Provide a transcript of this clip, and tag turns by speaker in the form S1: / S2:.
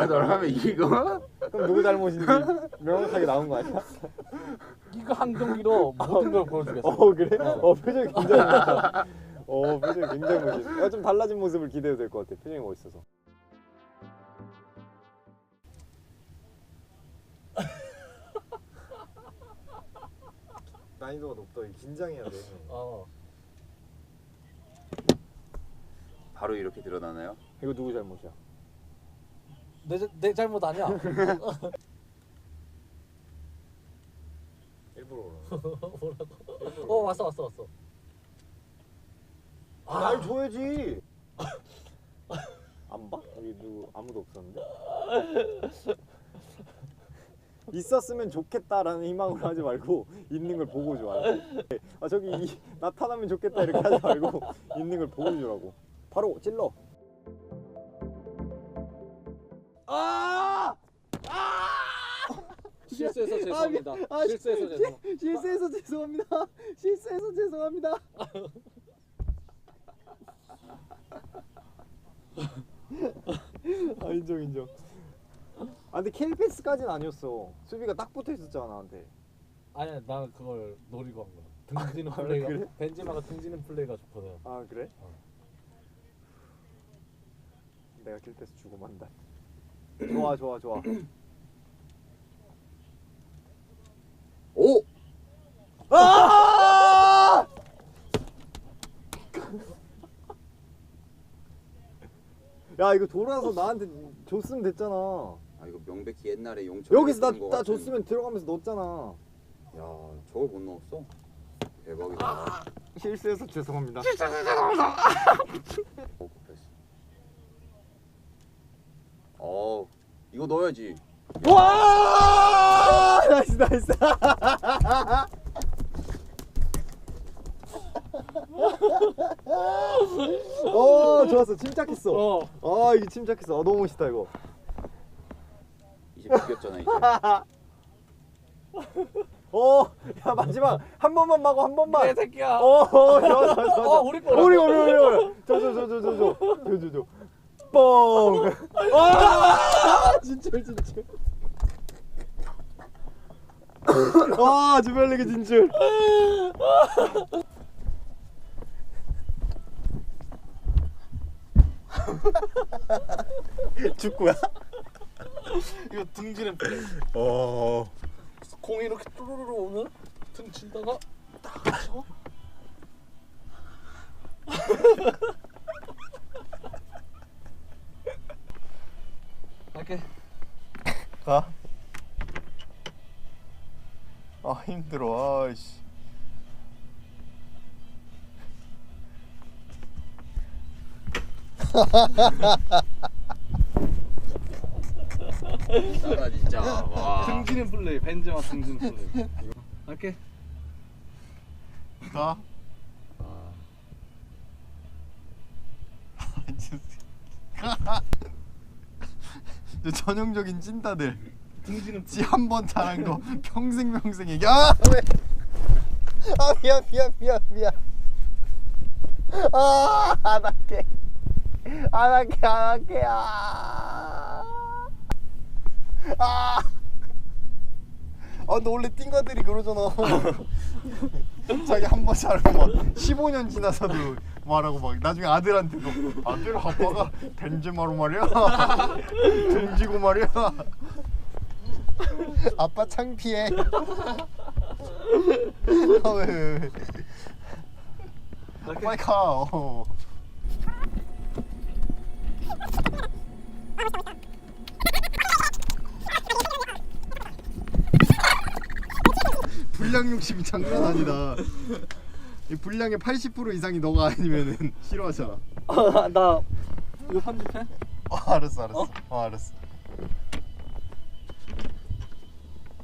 S1: 너라면 이거?
S2: 그럼 누구 잘못인지 명확하게 나온 거 아니야?
S3: 이거 한 경기로 모든 걸 보여주겠어.
S2: 그래? 표정이 굉장히 멋있어. 표정이 굉장히 멋있어. 좀 달라진 모습을 기대해도 될 것 같아. 표정이 멋있어서. 난이도가 높다. 긴장해야 돼.
S1: 바로 이렇게 드러나나요?
S2: 이거 누구 잘못이야?
S3: 내 잘못 아니야.
S2: 일부러
S3: 뭐라고? 왔어.
S2: 날 줘야지. 안 봐? 여기 누구 아무도 없었는데? 있었으면 좋겠다라는 희망으로 하지 말고 있는 걸 보고 줘. 저기 나타나면 좋겠다 이렇게 하지 말고 있는 걸 보고 주라고. 바로 찔러.
S3: 실수해서 죄송합니다.
S2: 실수해서 죄송합니다. 인정. 근데 킬패스까지는 아니었어. 수비가 딱 붙어 있었잖아 나한테.
S3: 아니야, 나 그걸 노리고 한 거야. 등지는 플레이가
S2: 그래?
S3: 벤지마가 등지는 플레이가 좋거든.
S2: 그래? 내가 킬패스 주고 만다. 좋아.
S1: 오!
S2: 야 이거 돌아서 나한테 줬으면 됐잖아.
S1: 이거 명백히 옛날에 용철
S2: 여기서 나 줬으면 들어가면서 넣었잖아.
S1: 야 저걸 못 넣었어? 대박이다.
S2: 실수해서 죄송합니다.
S1: 이거 넣어야지.
S2: 와! 나이스. 좋았어. 침착했어. 이게 침착했어. 너무 멋있다 이거.
S1: 이제 바뀌었잖아 이제.
S2: 야 마지막 한 번만 마고 한 번만.
S3: 내 새끼야.
S2: 좋아.
S3: 우리 거라고.
S2: 우리. 저. 뻥. 진출. 주별리그 진출. 축구야?
S3: 이거 등지는 플레이. 공이 이렇게 뚜루루루 오면 등 치다가 딱 쳐. 갈게.
S2: 가. 힘들어. 아이씨.
S1: 나 진짜 와.
S3: 등지는 플레이. 벤지마 등지는 플레이. 갈게.
S2: 가. 전형적인 찐따들.
S3: 등지는
S2: 지 한 번 잘한 거 평생 얘기. 왜? 미안. 안 할게. 근데 원래 띵가들이 그러잖아. 자기 한 번 잘하면 15년 지나서도 말하고 막 나중에 아들한테도 아들 아빠가 벤제마로 말이야. 등지고 말이야. 아빠 창피해. 왜? 빨리 가. 분량 욕심이 장난 아니다. 이 분량의 80% 이상이 너가 아니면은 싫어하잖아.
S3: 나 이거 편집해?
S2: 알았어. 알았어.